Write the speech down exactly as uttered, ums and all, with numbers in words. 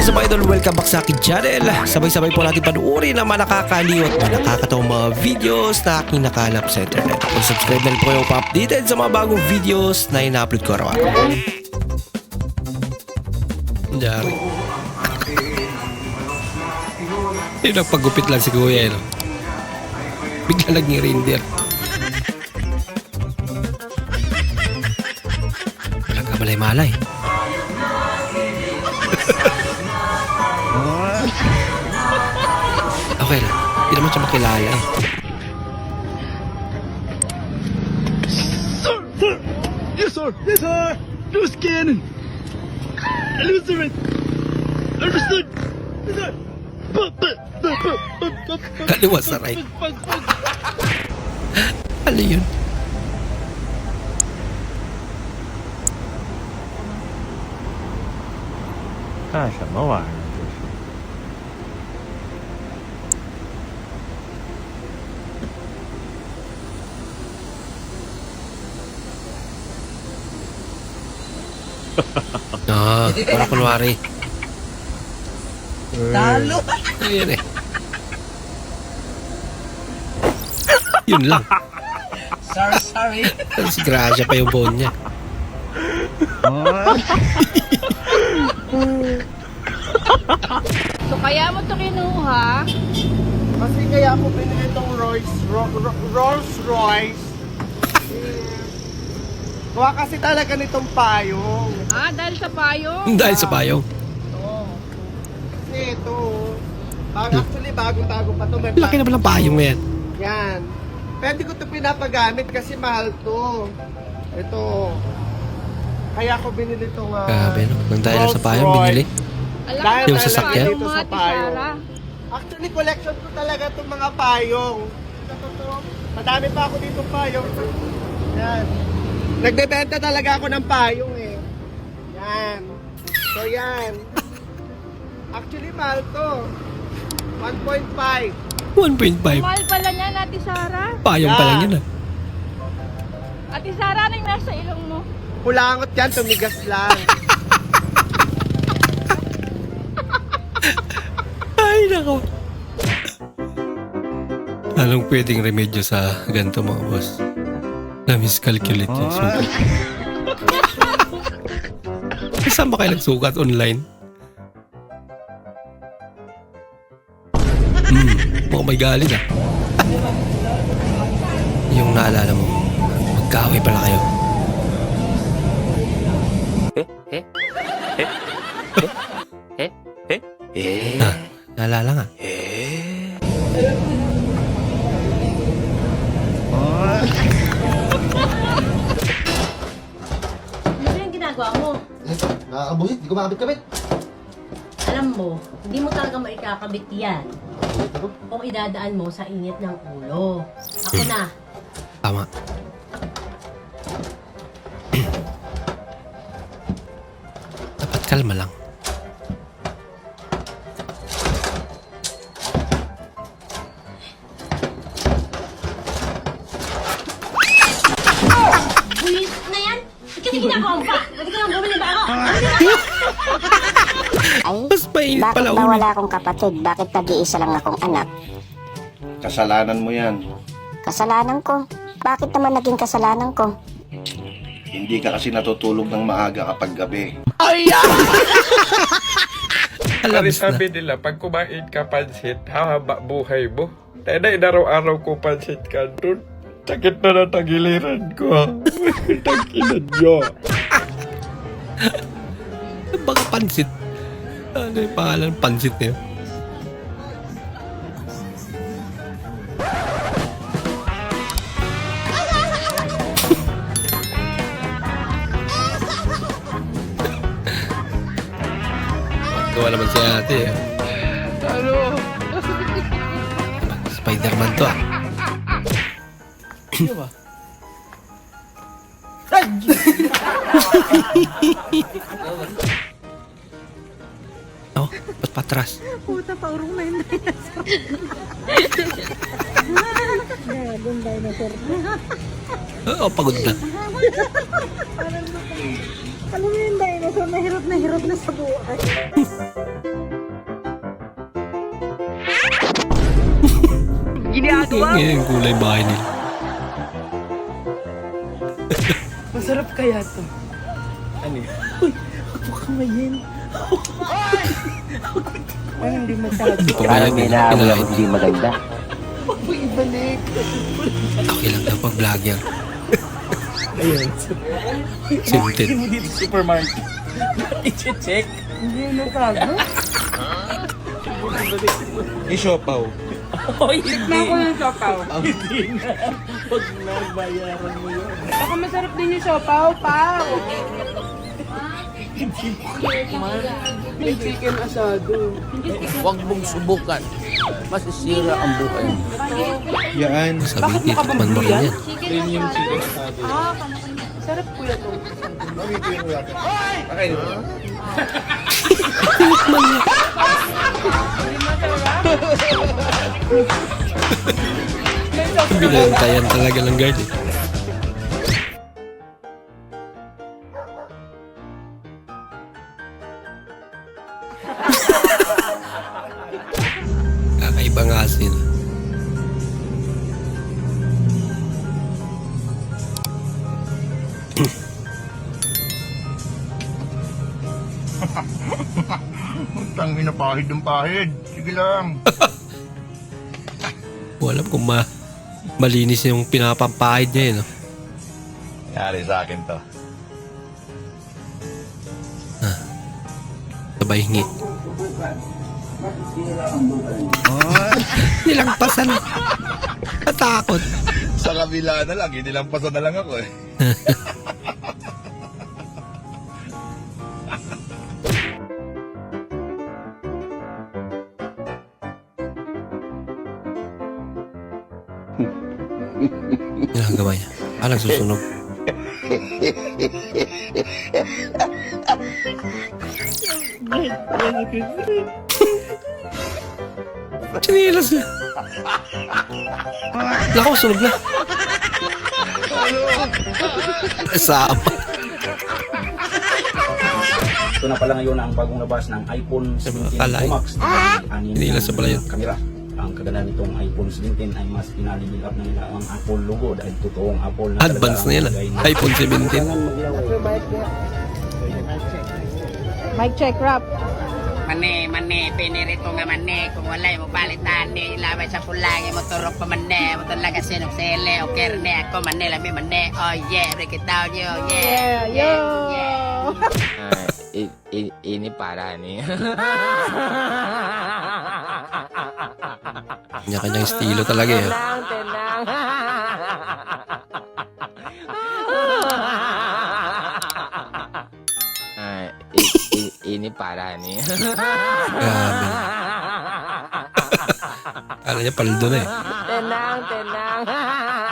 is up, idol? Welcome back sa akin channel. Sabay-sabay po natin panuorin ang mga nakakaliw at mga nakakatawang mga videos na aking nakalap sa internet. Kung subscribe na rin po kayo pa-updated sa mga bagong videos na ina-upload ko araw-araw. Dari. Yung nagpagupit lang si Kuya, no? Bigla naging reindeer. Walang kamalay-malay. Okay lang. Hindi naman siya makilala eh. Sir! Sir! Yes, sir! Yes, sir! Loose cannon! Loose it! Understood! Yes, sir! Kaliwa sa right. Ano yun? Kan 什么玩意儿？这是。 Ah, wala kunwari. Talo! Ayan eh. Yun lang. Sorry, sorry. Si Gracia pa yung bone niya. So kaya mo to kinuha? Kasi kaya ako binili itong Royce, Ro, Ro, Rolls Royce. Kuha kasi talaga nitong payong. Ah, dahil sa payong? Dahil sa payong. Ito. Kasi ito, bag, actually bagong-bago pa to. May Laki naman ng payong na yan. Yan. Pwede ko ito pinapagamit kasi mahal to. Ito. Kaya ako binili itong uh, Grabe no. Nang dahil sa payong, binili. Alam Dahil mo yung sa sasakyan? payong mga Sa payong. tisara. Actually, collection ko talaga itong mga payong. Ito, to. Madami pa ako dito payong. Yan. Nagbebenta talaga ako ng payong eh. Yan. So yan. Actually, mahal to. one point five. one point five. Mahal pala niya, Ate Sara. Payong pa lang yun ah. Ate Sara, ano yung nasa ilong mo? Kulangot yan, tumigas lang. Ay, nako. Anong pwedeng remedyo sa ganito mga boss? Na-miscalculate yung sukat. Saan ba kayo nagsukat online? Hmm, mukhang may galit ah. Yung naalala mo, magkaaway pala kayo. Ah, naalala nga. Ano yung ginagawa mo? Nakakabuhit, di ko makabit-kabit. Alam mo, hindi mo talaga maikakabit yan kung idadaan mo sa init ng ulo. Ako na. Tama. Dapat kalma lang. Bulis na yan! Kasi ginagawa mo pa! Pwede ka lang bumili ba ako? Ay, Mas mainit bakit pala ba ulo. wala akong kapatid? Bakit nag-iisa lang akong anak? Kasalanan mo yan. Kasalanan ko. Bakit naman naging kasalanan ko? Hindi ka kasi natutulog ng maaga kapag gabi. Alam Kasi na. sabi nila, pag kumain ka pansit, hahaba buhay mo. Tayo na inaraw-araw ko pansit ka doon. Sakit na natagiliran ko. Tagilan nyo. Baka pansit. Ano yung pangalan ng pansit niya? Gawa naman si ate. eh. Ano? Spider-Man to ah. Ano ba? Oh, ba't patras? Puta, paurong na yung dinosaur. Gagong dinosaur. Oo, pagod na. Alam mo yung dinosaur, nahirap na hirap na sa buhay. Ngayon yung kulay bahay nila. Masarap kaya to. Ano yun? Uy, ako kamayin. Ay, hindi masyado. Hindi pa kaya pinalaki. hindi maganda. Huwag mo ibalik. Okay lang daw pag vlogger. Ayan. Sinted. Hindi mo dito supermarket. I-check. Hindi na kago. Isiopaw. Oh, hindi. Tikman ko yung siopaw. Hindi na. Huwag na, bayaran mo yun. Baka masarap din yung siopaw, pao. May chicken asado. Huwag mong subukan. Masisira ang buhay mo. Yan. Sabi ni Tito man mo rin yan. Premium chicken asado. Sarap kuya to. Okay. Binantayan talaga ng guard eh. Kakaibang asin. Tangin na pahid ng pahid. Sige lang. Wala kung ma malinis yung pinapampahid niya eh, no? Yari sa akin to. Sabay hingi. Nilangpasan. Natakot. Sa kabila na lang, inilampasan na lang ako eh. Yan ang gawa niya. Ah, nagsusunog. Chinilas na. Naku, sunog na. Kasama. Ito na pala ngayon ang bagong labas ng iPhone seventeen Kalay. Pro Max. Inilas na pala yun. Kamera. Ang kagandahan nitong iPhone seventeen ay mas pinalibil up na nila ang Apple logo dahil totoong Apple na talaga Advance ang na yan ah. lagay na- iPhone seventeen. Mic check, rap. Mane, mane, pinirito nga mane. Kung wala'y mo balitan ni ilabay sa pulangi mo turok pa mane. Mo talaga sinok sele o kerne ako mane lami mane. Oh yeah, break it down yo, yeah. Yeah, yo. ini para nih. Kanya-kanyang estilo talaga eh. Tenang. ini para nih. Grabe. Kala niya paldo na eh. Tenang, tenang.